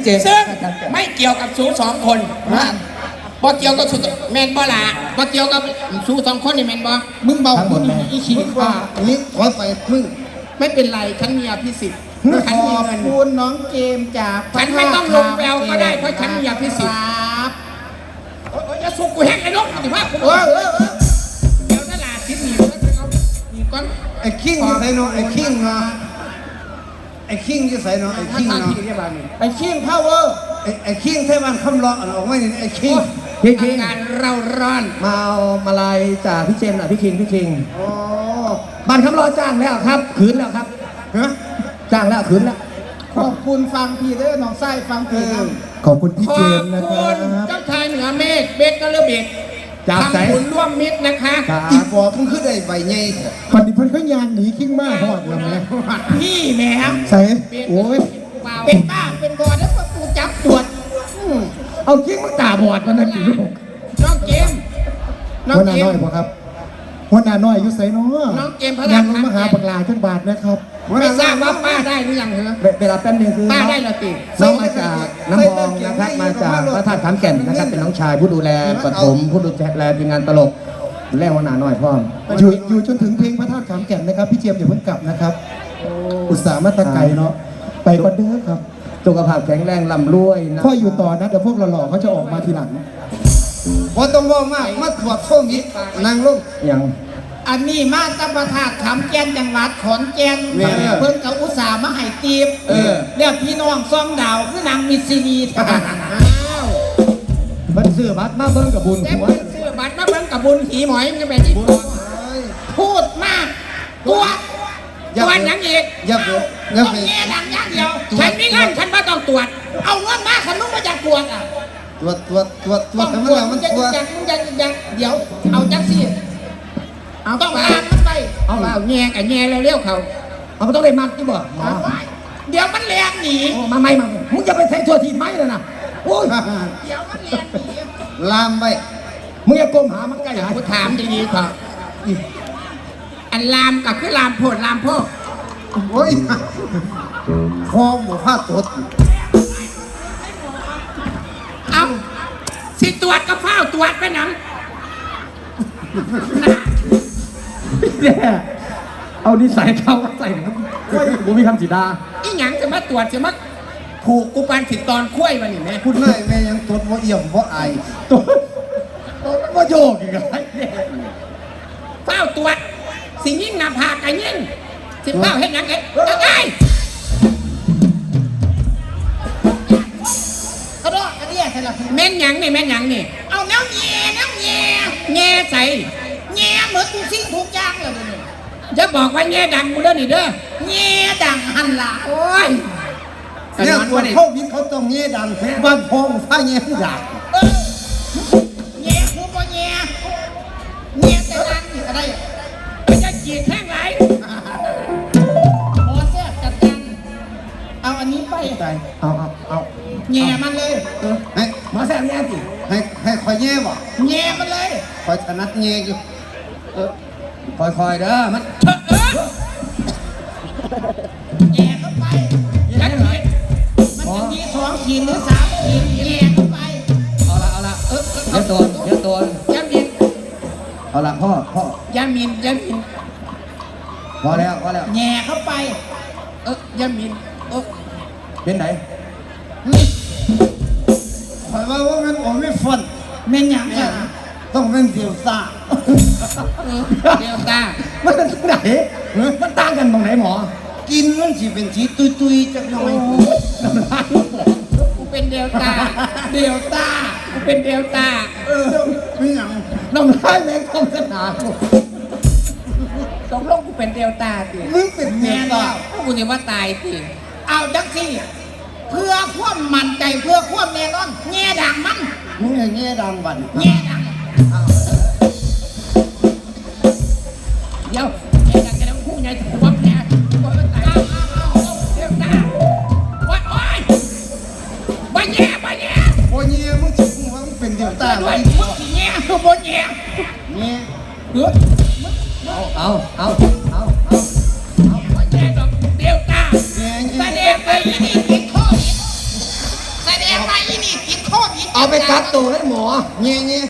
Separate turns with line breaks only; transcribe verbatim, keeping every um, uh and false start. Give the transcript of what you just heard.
เจนซึ่งไม่เกี่ยวกับสูสองคนบ่เกี่ยวกับสูแมนบ่ละบ่เกี่ยวกับสูสองคนนี่แมนบ่มึงเบาคนอีขี้ว่า
นี่ขอไปมึง
ไม่เป็นไรฉันมีอภิสิทธิ์ฉันมีเงิน
คุณน้องเกมจาก
ฉันไม่ต้องลงแววก็ได้เพราะฉันมีอภิสิทธิ์จะสุกกูแห้งไอ้นกถือว่าผมเดี๋ยวตลาดทิศหนีเอาหนีก้อน
ไอ้คิงจะใส่เนาะไอ้คิงเนาะไอ้คิงจะใส่เนาะไอ้คิงเนาะไอ้คิงพาวเวอร์ไอ้ไอ้คิงเทวันคำร้องออกมาเนี่ยไอ้คิง
พี่คิงงานเราร้อน
มาเอามาลายจากพี่เจมส์อ่ะพี่คิงพี่คิงโอ้บ้านคำรอจ้างแล้วครับขืนแล้วครับ
ฮะ
จ้างแล้วขืนแล้ว
ขอบคุณฟังพี่เด้อน้องไส้ฟังพี่
ขอบคุณพี่เจมส์นะครับ
เจ้าชายเหนือเมฆเบกกระเบิดทำบุญร่วมมิตรนะคะ
อีบอกมึงขึ้นได้ใบใหญ่
คนที่เพิ่นเขายานหนีขิ้งมากหอดแล้วแม่
พี่แม่
ใส่โอ้ย
เป็นบ้าเป็นบอดแล้วก็กูจับตรวจ
เอาขิ้งมาตาบอดมานั่นสิลูก
น้องเกม
น้องเกมหัวหน้าน้อยบ่ครับหัวหน้าน้อยอยู่ไสเนาะ
น้องเกมพระ
ยังมาหาปักลาจังบาทนะครับ
ไม่ทราบว่าป้าได้หรือยังเหรอ
เวลาแป๊บนึงคือ
ป้าได้ละติ
น้องมาจากน้ำพองนะครับมาจากพระธาตุขามแก่นนะครับเป็นน้องชายผู้ดูแลปฐมผู้ดูแลทีมงานตลกแล่หัวหน้าน้อยพ่ออยู่อยู่จนถึงเพลงพระธาตุขามแก่นนะครับพี่เจียมอย่าเพิ่งกลับนะครับอุตส่าห์มาตะไกเนาะไปก่อนเด้อครับสุขภาพแข็งแรงลำรวยนะพ่ออยู่ต่อนะเดี๋ยวพวกเราหล่อเขาจะออกมาทีหลัง
พอต้องว่ามากมาตรวจโควิดนางลง
ยัง
อันนี้มาตะประทาขามแก่นจังหวัดขอนแก่นเพิ่นกับอุตสาห์มาให้ตีบเรียกพี่น้องซ่องดาวคือนางมิสซินีอ้าว
บันซื้อบัตรมาเบิ้งกับบุญ
หัวซื้อบัตรมาเบิ้งกับบุญหีหมอยมันจะเป็นที่พูดมากตัวตัวยังอีก
อย่า
อย่าต้องแง่ดังอย่างเดียวฉันมีเงินฉันไม่ต้องตรวจเอาเงินมาฉันต้องมาจากตรวจอ่ะ
ตรวจตรวจตรวจตรวจ
มันมันจะจังมันจะจังเดี๋ยวเอาจังสิต้องลามมันไปเอาเปล่าแง่กับแง่เร็วๆเขา
เอาต้องได้มัดที่บ่
เดี๋ยวมันแรงหนี
มาไม่มามึงจะไปใส่ตัวทีไม้เลยนะโอ้ย
เดี๋ยวมันแรงหนี
ลามไป
มึงอย่าก้มหามันใกล้หา
กูถามดีๆครับอันลามกับคือลามโพดลามพ่อ
โอ้ยคอหมูผ้าตด
เอาสิตรวจก็เฝ้าตรวจไปหนัง
เนี่ยเอานิสัยเขาใส่ครับกูมีคำสีดา
อีหยังจะมาตรวจจะมาผูกกูปานผิดตอนคุ้ยมาหนิแม่
พูดง่ายแม่ยังตดว่าเอี่ยมว่าไอ
ตัวว่าโยกอีกไง
เฝ้าตรวจสิ่งยิ่งหนาผากไอ้ยิ่งสิเฝ้าเห็นยังไงไง
กระโดดกระเดี่ยใช่หรอ
แม่นยังนี่แม่นยังนี่เอาแนวแง่แนวแง่แง่ใส่แง่เหมือนทุกสิ่งทุกอย่างเลยนี่จะบอกว่าแง่ดังกูเด้อนี่เด้อแง่ดังหันละโอ้ย
เนี่ยคนเขาวิเขาต้องแง่ดังบ้านพองฟ้าแง่ดัง
แง่คือบ่แง่แง่แต่ดังนี่อะไรมันจะจีบแท่งไหลพอแซ่บจัดการเอาอันนี้ไป
เอาเอาเอา
แง่มันเลย
ให้
มาแซ่บแง่สิ
ให้ให้คอยแง่บ่
แง่มันเลย
คอยถนัดแง่อยู่
คอยๆเด้อมัน
เถอะเออแง่เข้าไปยัดเลยมันจะมีสองขีดหรือสามขีดแง่เข้าไป
เอาละเอาละเออเดี๋ยวตัวเดี๋ยวตัวย
ามิน
เอาละพ่อพ่
อยามินยามิน
พอแล้วพอแล้ว
แง่เข้าไปเออยามินเออ
เป็นไหน
คอยว่าว่ามันผมไม่ฟัน
เม่นยังไง
ต้องเป็นเดียวตา
เดียวตา
มันเป็นไหนมันต่างกันตรงไหนหมอ
กินมันสิเป็นสีตุยตุยจักหน่อย
กูเป็นเดลต้าเดลต้ากูเป็นเดลต้า
เออไม่ยัง
น้องร้ายแมงคอมสนาม
ตกลงกูเป็นเดลต้าสิ
มึงเป็นเดลต้า
กูจะว่าตายสิเอาจังสิเพื่อความมั่นใจเพื่อความแน่นอนแง่ดังมัน
มึงแง่ดังบัน
แง่ดังเดี๋ยวแง่ดังจะต้องพูดไงถึงว่าแง่ตัวมันตายเดลต้าวัดโอ้ยบ่แง่บ่แง่
บ่แง่มึงสิมึงว่ามึงเป็นเดลต้า
ด้วยมึงสิแง่คือบ่แง่
แง่
เฮ้ย
เอาเอาเอาเอา
เอาบ่แง่ดอกเดลต้าแสดงไปนี่ติดโควิดแสดงว่าอีนี่ติดโควิด
เอาไปกักตัวให้หมอ
เงี้ยเงี้ย